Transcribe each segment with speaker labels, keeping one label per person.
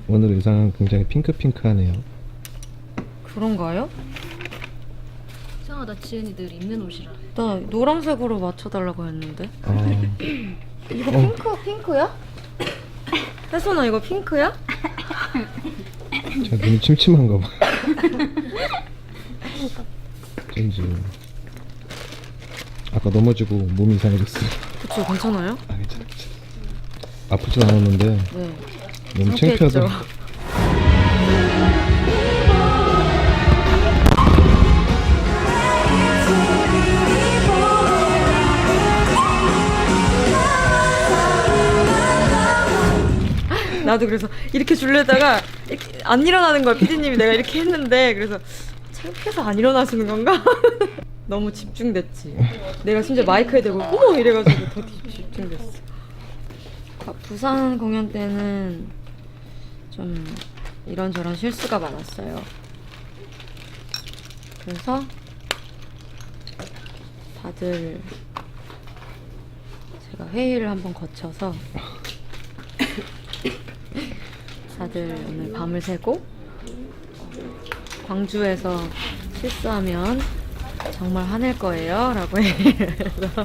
Speaker 1: 오늘 의상은 굉장히 핑크핑크하네요.
Speaker 2: 그런가요?
Speaker 3: 이상하다. 지은이 늘 입는 옷이라.
Speaker 2: 나 노란색으로 맞춰달라고 했는데. 이거
Speaker 1: 어.
Speaker 2: 핑크야? 혜선아 이거 핑크야?
Speaker 1: 제가 눈이 침침한가 봐. 어쩐지 아까 넘어지고 몸이 이상해졌어요.
Speaker 2: 그쵸, 괜찮아요?
Speaker 1: 아, 괜찮아. 아프진 않았는데
Speaker 2: 네.
Speaker 1: 너무
Speaker 2: 상쾌했죠?
Speaker 1: 창피하더라고.
Speaker 2: 나도 그래서 이렇게 줄려다가 이렇게 안 일어나는 거야. PD님이 내가 이렇게 했는데 그래서 창피해서 안 일어나시는 건가? 너무 집중됐지. 내가 심지어 마이크에 대고 어머 이래가지고 더 집중됐어. 부산 공연 때는 좀 이런저런 실수가 많았어요. 그래서 다들 제가 회의를 한번 거쳐서 다들 오늘 밤을 새고 광주에서 실수하면 정말 화낼 거예요 라고 해서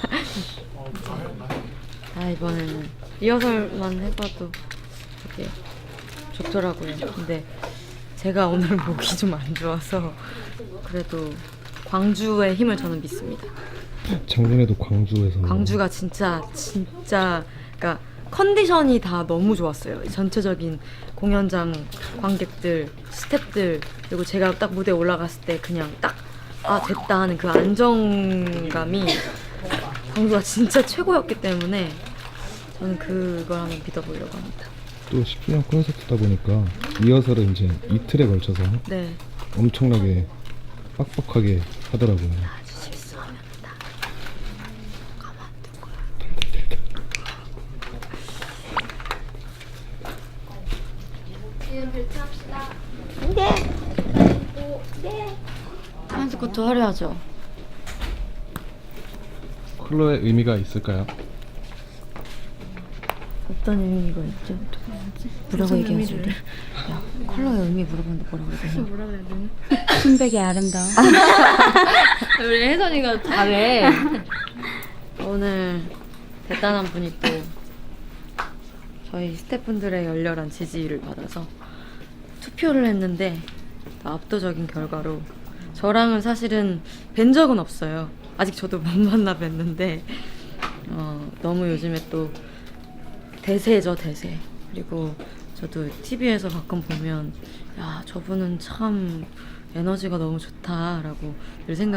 Speaker 2: 이번에는 리허설만 해봐도 되게 좋더라고요. 근데 제가 오늘 목이 좀 안 좋아서 그래도 광주의 힘을 저는 믿습니다.
Speaker 1: 작년에도 광주에서
Speaker 2: 광주가 진짜 그러니까 컨디션이 다 너무 좋았어요. 전체적인 공연장 관객들, 스태프들, 그리고 제가 딱 무대에 올라갔을 때 그냥 딱 됐다 하는 그 안정감이 광주가 진짜 최고였기 때문에 저는 그걸 한번 믿어보려고 합니다.
Speaker 1: 또 10주년 콘서트다 보니까 리허설을 이제 이틀에 걸쳐서
Speaker 2: 네.
Speaker 1: 엄청나게 빡빡하게 하더라고요.
Speaker 2: 실수하면 다 가만둘 거야.
Speaker 3: 지은 벨트합시다.
Speaker 2: 한스코트 화려하죠?
Speaker 1: 컬러의 의미가 있을까요?
Speaker 2: 어떤 의미가 있죠? 뭐라고 얘기하시는데? 야, 컬러의 의미 물어보는데 뭐라고 얘기하냐?
Speaker 3: 뭐라 그래야 되나?
Speaker 4: 순백이 아름다워.
Speaker 3: 우리 혜선이가 잘해.
Speaker 2: 오늘 대단한 분이 또 저희 스태프분들의 열렬한 지지를 받아서 투표를 했는데 압도적인 결과로 저랑은 사실은 뵌 적은 없어요. 아직 저도 못 만나 뵀는데 너무 요즘에 또 대세죠, 대세. 그리고 저도 TV에서 가끔 보면 야, 저분은 참 에너지가 너무 좋다라고 늘